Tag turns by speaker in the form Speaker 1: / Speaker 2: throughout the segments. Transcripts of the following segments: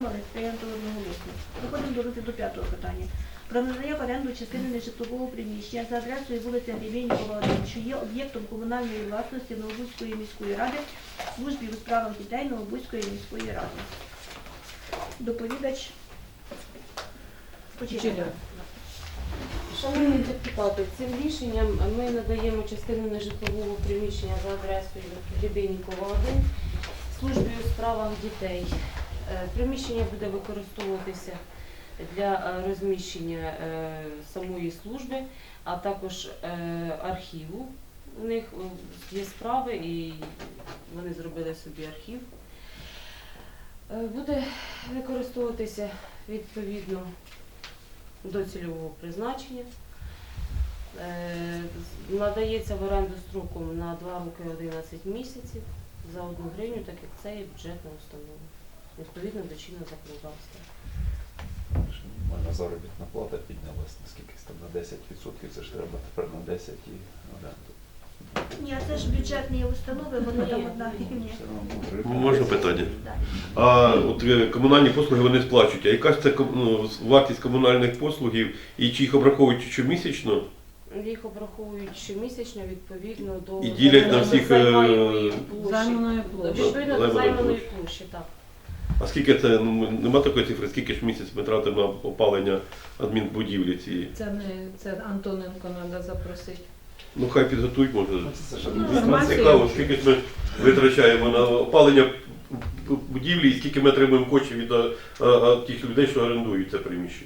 Speaker 1: Прийнято одноголосно. Переходимо до розгляду п'ятого питання. Про надання в оренду частини нежитлового приміщення за адресою вулиця Гребенникова, 1, що є об'єктом комунальної власності Новобузької міської ради, службі у справах дітей Новобузької міської ради. Доповідач. Почекайте.
Speaker 2: Шановні депутати, цим рішенням ми надаємо частину нежитлового приміщення за адресою Гребенникова, 1, службі у справах дітей. Приміщення буде використовуватися для розміщення самої служби, а також архіву. У них є справи і вони зробили собі архів. Буде використовуватися відповідно до цільового призначення. Надається в оренду строком на 2 роки 11 місяців за 1 гривню, так як це є бюджетна установа, відповідно до чинного законодавства.
Speaker 3: Мінімальна заробітна плата піднялась наскільки там на 10%, це ж треба тепер на 10 і оренду.
Speaker 1: Ні, це ж бюджетні установи, воно там одна гривня.
Speaker 4: Можна питання?
Speaker 1: Да.
Speaker 4: А от комунальні послуги вони сплачують. А яка ж це вартість комунальних послугів і чи їх обраховують щомісячно?
Speaker 2: Їх обраховують щомісячно відповідно до
Speaker 4: І ділять на всіх
Speaker 2: займаної
Speaker 5: займаної площі.
Speaker 2: Відповідно до займаної площі, так.
Speaker 4: А скільки це, нема такої цифри, скільки ж в місяць ми тратимо на опалення адмінбудівлі цієї?
Speaker 5: Це Антоненко треба запросити.
Speaker 4: Ну хай підготують, може.
Speaker 3: Це ж
Speaker 5: інформацію.
Speaker 4: Цікаво, скільки ж ми витрачаємо на опалення будівлі і скільки ми отримуємо коштів від тих людей, що орендують це приміщення.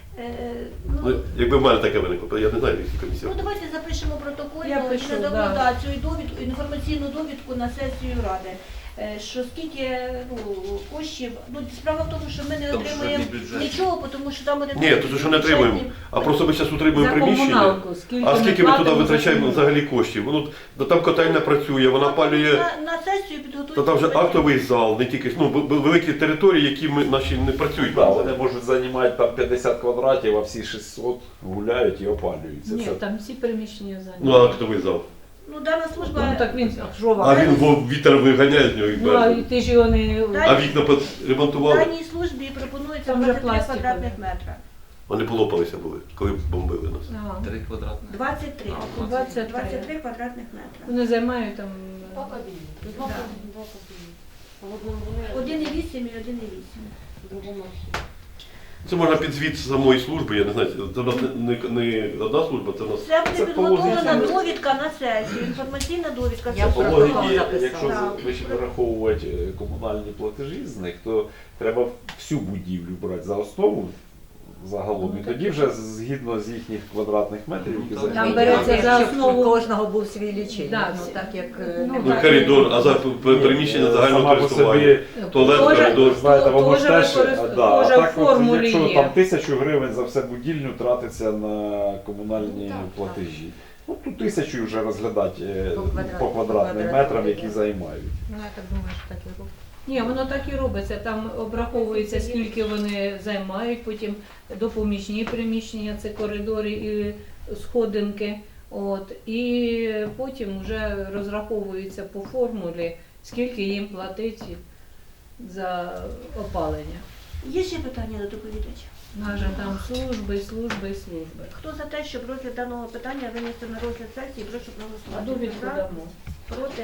Speaker 4: Ну, якби в мене таке виникло, я не знаю, які комісії.
Speaker 1: Ну давайте запишемо протокольно,
Speaker 5: Я пишу,
Speaker 1: надамо
Speaker 5: да.
Speaker 1: цю довідку, інформаційну довідку на сесію Ради. Що скільки коштів, справа в тому, що ми не отримуємо нічого, тому що там один...
Speaker 4: Ні, то що не отримуємо, а просто ми зараз утримуємо
Speaker 5: За
Speaker 4: приміщення.
Speaker 5: комуналку.
Speaker 4: А скільки ми туди
Speaker 5: платимо за
Speaker 4: витрачаємо
Speaker 5: комуналку?
Speaker 4: взагалі коштів? Там котельня працює, вона палює,
Speaker 1: На сесію підготують...
Speaker 4: то там вже актовий зал, не тільки, великі території, які наші не працюють.
Speaker 3: Да, вони можуть займати там 50 квадратів, а всі 600 гуляють і опалюються.
Speaker 5: Ні,
Speaker 3: Це
Speaker 5: там всі приміщення зайняті.
Speaker 4: Ну, а актовий зал.
Speaker 1: Дана
Speaker 5: Ну
Speaker 1: служба...
Speaker 5: так він що
Speaker 4: А
Speaker 5: вам?
Speaker 4: він вітер виганяє з нього і
Speaker 5: Ну, а
Speaker 4: бере.
Speaker 5: ти ж його не...
Speaker 4: А вікна ремонтували,
Speaker 1: Даній службі пропонується
Speaker 5: Там вже
Speaker 1: 23
Speaker 5: пластикові.
Speaker 1: квадратних метра.
Speaker 4: вони полопалися були, коли бомбили нас.
Speaker 5: Ага.
Speaker 6: 3 квадратних.
Speaker 1: 23.
Speaker 5: 23.
Speaker 1: 23 квадратних метра.
Speaker 5: Вони займають там...
Speaker 2: Два кабіни. Два
Speaker 1: Да.
Speaker 2: кабіни. В одному вони,
Speaker 1: 1,8 і 1,8.
Speaker 2: в другому архіві.
Speaker 4: Це можна під звіт самої служби, я не знаю, це в нас не одна служба, це в нас...
Speaker 1: Це буде
Speaker 3: Це
Speaker 1: підготовлена
Speaker 3: положення.
Speaker 1: довідка на сесію, інформаційна довідка.
Speaker 5: Я
Speaker 1: Це
Speaker 3: по
Speaker 1: все
Speaker 3: логіці,
Speaker 1: готово.
Speaker 3: якщо
Speaker 1: Так.
Speaker 3: вираховувати комунальні платежі з них, то треба всю будівлю брати за основу загалом. І тоді вже згідно з їхніх квадратних метрів, які
Speaker 6: Там
Speaker 5: Там
Speaker 3: займають.
Speaker 5: береться за основу...
Speaker 7: кожного був свій лічильник,
Speaker 5: Да,
Speaker 7: ну так як
Speaker 5: ну,
Speaker 4: Ну,
Speaker 5: так.
Speaker 4: коридор, а за приміщення загального
Speaker 3: Сама по
Speaker 4: користування.
Speaker 3: собі,
Speaker 4: Туалет,
Speaker 5: Тоже-
Speaker 4: коридор.
Speaker 3: знаєте, воно ж
Speaker 5: Тоже
Speaker 3: теж, а
Speaker 5: тоже
Speaker 3: так
Speaker 5: в
Speaker 3: от,
Speaker 5: формулі
Speaker 3: якщо
Speaker 5: є.
Speaker 3: там 1000 гривень за все будівлю тратиться на комунальні платежі. Ну, тут 1000 вже розглядати по квадратним метрам, які займають.
Speaker 7: ну я так думаю, що так і робить.
Speaker 5: Ні, воно так і робиться. Там обраховується, скільки вони займають, потім допоміжні приміщення, це коридори і сходинки. От, і потім вже розраховується по формулі, скільки їм платить за опалення.
Speaker 1: Є ще питання до доповідача?
Speaker 5: Наже там служби, служби, служби.
Speaker 1: Хто за те, щоб розгляд даного питання винести на розгляд сесії, прошу
Speaker 5: А
Speaker 1: проголосувати.
Speaker 5: довідку
Speaker 1: За,
Speaker 5: дамо.
Speaker 1: проти,